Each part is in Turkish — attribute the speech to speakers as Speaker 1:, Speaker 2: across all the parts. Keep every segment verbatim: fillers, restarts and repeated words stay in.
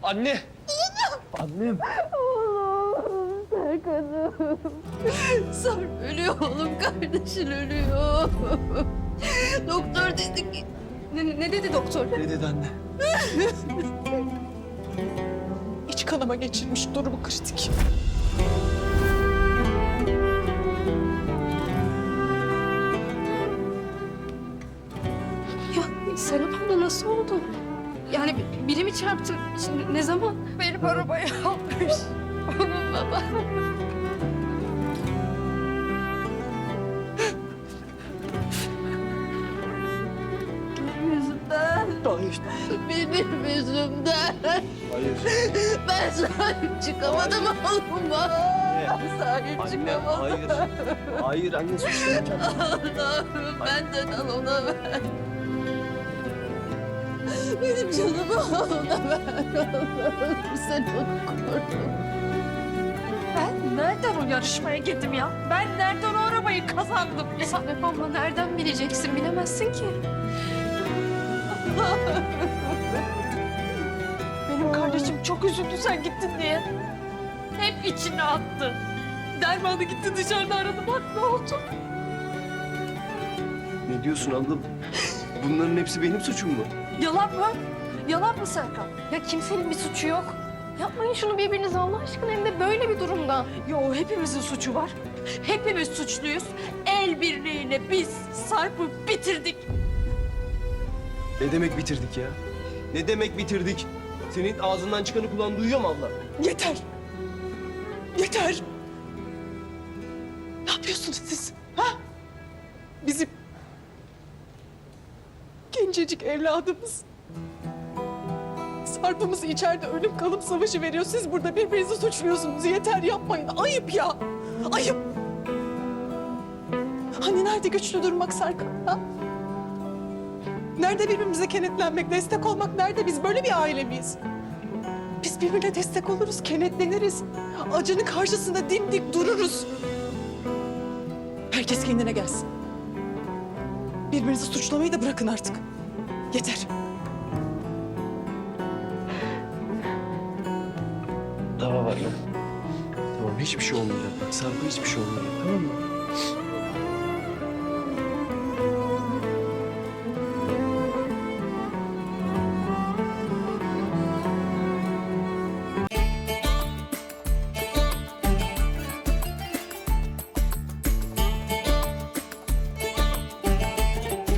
Speaker 1: Anne! Annem!
Speaker 2: Oğlum, Serkan'ım. Sarp ölüyor oğlum, kardeşin ölüyor. Doktor dedi ki... Ne, ne dedi doktor?
Speaker 1: Ne dedi anne?
Speaker 3: İç kanama geçirmiş, durumu kritik.
Speaker 2: Ya Serap abla nasıl oldu? Yani biri mi çarptı? Şimdi ne zaman? Benim arabayı almış. Onun baba. Benim yüzümden.
Speaker 1: Hayır.
Speaker 2: Benim yüzümden.
Speaker 1: Hayır.
Speaker 2: Ben sahip çıkamadım oğluma. Sahip
Speaker 1: Anne,
Speaker 2: çıkamadım.
Speaker 1: hayır. Hayır anne suçlamayacağım.
Speaker 2: Allah'ım benden al ona ver. Benim canımı al ona ver. Allah'ım sen onu koru.
Speaker 3: Ben nereden o yarışmaya girdim ya? Ben nereden o arabayı kazandım ya?
Speaker 2: Serap abla nereden bileceksin? Bilemezsin ki.
Speaker 3: Benim kardeşim çok üzüldü sen gittin diye. Hep içine attı. Dermanı gitti dışarıda aradı, bak ne oldu?
Speaker 1: Ne diyorsun abla? Bunların hepsi benim suçum mu?
Speaker 3: Yalan mı? Yalan mı Serkan?
Speaker 2: Ya kimsenin bir suçu yok. Yapmayın şunu birbirinize Allah aşkına, hem de böyle bir durumda.
Speaker 3: Yo, hepimizin suçu var. Hepimiz suçluyuz. El birliğiyle biz Sarp'ı bitirdik.
Speaker 1: Ne demek bitirdik ya? Ne demek bitirdik? Senin ağzından çıkanı kulağın duyuyor mu abla?
Speaker 3: Yeter. Yeter. Ne yapıyorsunuz siz? Ha? Bizim gencecik evladımız. Sarp'ımız içeride ölüm kalım savaşı veriyor. Siz burada birbirinizi suçluyorsunuz. Yeter, yapmayın. Ayıp ya. Ayıp. Hani nerede güçlü durmak Serkan? Ha? Nerede birbirimize kenetlenmek, destek olmak nerede? Biz böyle bir aile miyiz? Biz birbirine destek oluruz, kenetleniriz. Acının karşısında dimdik dururuz. Herkes kendine gelsin. Birbirinizi suçlamayı da bırakın artık. Yeter.
Speaker 1: Tamam abla. Tamam hiçbir şey olmayacak. Sarp'a hiçbir şey olmayacak, tamam mı?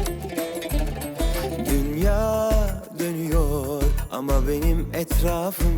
Speaker 4: Dünya dönüyor ama benim etrafım